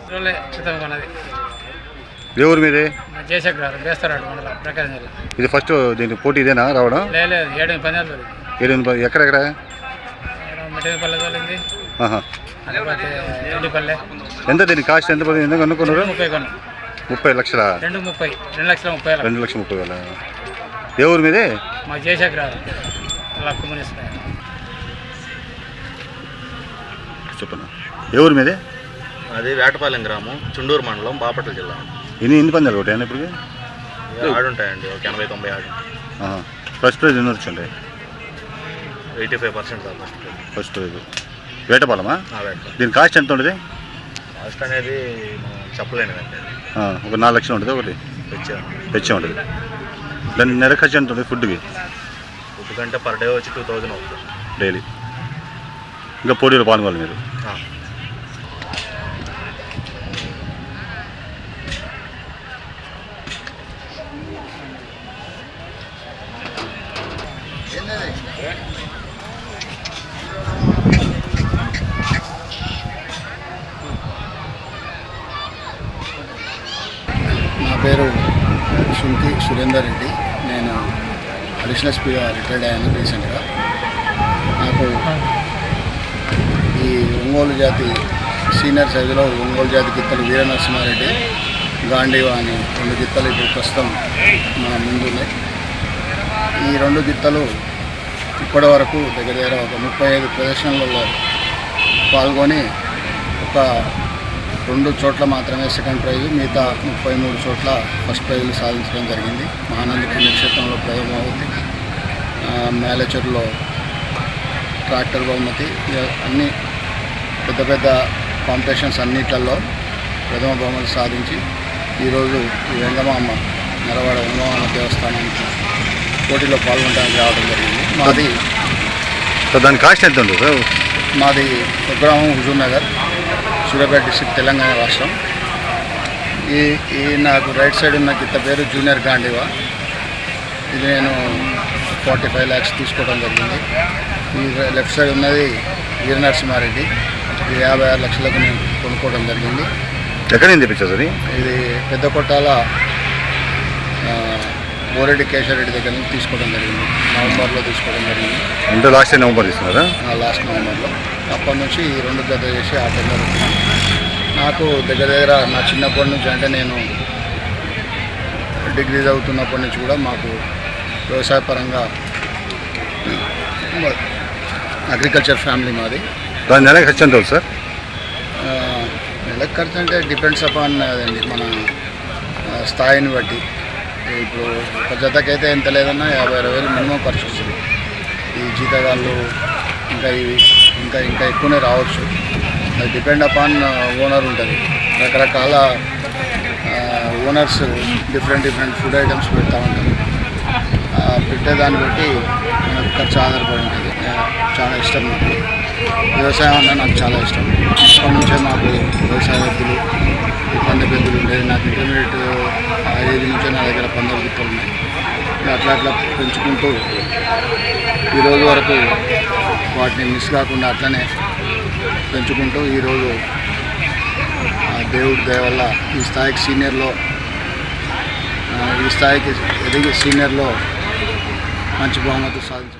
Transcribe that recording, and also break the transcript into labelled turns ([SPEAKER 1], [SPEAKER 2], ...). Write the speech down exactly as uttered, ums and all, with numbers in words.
[SPEAKER 1] రోజులే క్రితం కొన్నది.
[SPEAKER 2] ఏ ఊరు మీది?
[SPEAKER 1] జయశంకర్ బేస్తారాడు మండలం ప్రకాశం జిల్లా.
[SPEAKER 2] ఇది ఫస్ట్ దీనికి పోటీ ఇదేనా రావడం?
[SPEAKER 1] లేదు ఏడు పందాలు
[SPEAKER 2] ఏడు ఎక్కడెక్కడ?
[SPEAKER 1] మిఠాయిపల్లె తోలింది, ఎండిపల్లె.
[SPEAKER 2] ఎంత దీని కాస్ట్ ఎంత పడింది? ఎందుకు అనుకున్నారు?
[SPEAKER 1] ముప్పై కొన్నా.
[SPEAKER 2] ముప్పై లక్షల
[SPEAKER 1] రెండు ముప్పై రెండు లక్షల ముప్పై
[SPEAKER 2] రెండు లక్షల ముప్పై వేల. ఏ ఊరు మీది?
[SPEAKER 1] మా జయశంకర్ లక్కుమనేశ్వర.
[SPEAKER 2] చెప్పండి. ఏ ఊరు మీది?
[SPEAKER 3] అది వేటపాలెం గ్రామం, చుండూరు మండలం, బాపట్ల జిల్లా.
[SPEAKER 2] ఎన్ని ఎన్ని పందాలు ఒకటి అయినా ఇప్పుడు?
[SPEAKER 3] ఆడుంటాయండి, ఒక ఎనభై తొంభై ఆడు.
[SPEAKER 2] ఫస్ట్ ప్రైజ్ ఎన్ని వచ్చండి?
[SPEAKER 3] Eighty five percent first
[SPEAKER 2] first prize. వేటపాలమా?
[SPEAKER 3] వేటపాలెం.
[SPEAKER 2] దీని కాస్ట్ ఎంత ఉంటుంది?
[SPEAKER 3] కాస్ట్ అనేది చెప్పలేనిదండి.
[SPEAKER 2] ఒక నాలుగు లక్షలు ఉంటుంది ఒకటి తెచ్చే ఉంటుంది. దాని నెల ఖర్చు ఎంత ఉంటుంది ఫుడ్కి?
[SPEAKER 3] ఫుడ్ కంటే పర్ డే వచ్చి టూ థౌజండ్ అవుతుంది
[SPEAKER 2] డైలీ. ఇంకా పోటీలో పాల్గొనాలి మీరు?
[SPEAKER 4] నా పేరు శుంకి సురేందర్ రెడ్డి. నేను అడిషనల్ ఎస్పీగా రిటైర్డ్ అయ్యాను రీసెంట్గా. నాకు ఈ ఒంగోలు జాతి సీనియర్ సైజులో ఒంగోలు జాతి గిత్తలు వీర నరసింహారెడ్డి, గాంధీవా అని రెండు గిత్తలు ఇప్పుడు ప్రస్తుతం మన ముందున్నాయి. ఈ రెండు గిత్తలు ఇప్పటి వరకు దగ్గర దగ్గర ఒక ముప్పై ఐదు ప్రదర్శనలలో పాల్గొని ఒక రెండు చోట్ల మాత్రమే సెకండ్ ప్రైజు, మిగతా ముప్పై మూడు చోట్ల ఫస్ట్ ప్రైజులు సాధించడం జరిగింది. మహానంది పుణ్యక్షేత్రంలో ప్రథమ బహుమతి, మేలచెరులో ట్రాక్టర్ బహుమతి, అన్ని పెద్ద పెద్ద కాంపిటీషన్స్ అన్నిట్లలో ప్రథమ బహుమతి సాధించి ఈరోజు ఈ వెంగమామ నరవాడ వెంగమామ దేవస్థానానికి పోటీలో పాల్గొనడానికి రావడం జరిగింది. మాది
[SPEAKER 2] దాని కాస్ట్ ఎంత ఉంది సార్?
[SPEAKER 4] మాది స్వగ్రామం హుజూర్ నగర్, సూర్యాపేట డిస్ట్రిక్ట్, తెలంగాణ రాష్ట్రం. ఈ ఈ నాకు రైట్ సైడ్ ఉన్న గిత్త పేరు జూనియర్ గాంధీవా. ఇది నేను ఫార్టీ ఫైవ్ ల్యాక్స్ తీసుకోవడం జరిగింది. ఈ లెఫ్ట్ సైడ్ ఉన్నది వీర నరసింహారెడ్డి. ఇది యాభై ఆరు లక్షలకు నేను కొనుక్కోవడం జరిగింది.
[SPEAKER 2] ఎక్కడ నుంచి తెప్పించారు సార్?
[SPEAKER 4] ఇది పెద్ద కొట్టాల బోరెడ్డి కేశవరెడ్డి దగ్గర నుంచి తీసుకోవడం జరిగింది. నవంబర్లో తీసుకోవడం జరిగింది.
[SPEAKER 2] అంటే లాస్ట్ నవంబర్ తీసుకున్నారా?
[SPEAKER 4] లాస్ట్ నవంబర్లో. అప్పటి నుంచి ఈ రెండు జత చేసి ఆ టెండర్ నాకు దగ్గర దగ్గర నా చిన్నప్పటి నుంచి, అంటే నేను డిగ్రీ చదువుతున్నప్పటి నుంచి కూడా మాకు వ్యవసాయపరంగా అగ్రికల్చర్ ఫ్యామిలీ మాది.
[SPEAKER 2] దాని నెల ఖర్చు ఎంత అవుతుంది సార్?
[SPEAKER 4] నెలకు ఖర్చు అంటే డిపెండ్స్ అపాన్ అదండి, మన స్థాయిని బట్టి. ఇప్పుడు ఒక జతకైతే ఎంత లేదన్నా యాభై అరవై వేలు మినిమం ఖర్చు వస్తుంది. ఈ జీతగాళ్ళు ఇంకా ఇవి ఇంకా ఇంకా ఎక్కువనే రావచ్చు. అది డిపెండ్ అపాన్ ఓనర్ ఉంటుంది. రకరకాల owners different different food items పెడతా ఉంటారు. పెట్టేదాన్ని బట్టి మనకు ఖర్చు ఆధారపడి ఉంటుంది. చాలా ఇష్టం నాకు వ్యవసాయం అన్న, నాకు చాలా ఇష్టం. ఇప్పటి నుంచే మాకు వ్యవసాయ వృద్ధులు, పంద పెద్దలు ఉండేది. నాకు ఇంటర్మీడియట్ ఏజ్ నుంచే నా దగ్గర పందెం గిత్తలు ఉన్నాయి. అట్లా అట్లా పెంచుకుంటూ ఈరోజు వరకు వాటిని మిస్ కాకుండా అట్లనే పెంచుకుంటూ ఈరోజు దేవుడి దయ వల్ల ఈ స్థాయికి సీనియర్లో ఈ స్థాయికి ఎదిగి సీనియర్లో మంచి బహుమతి సాధించారు.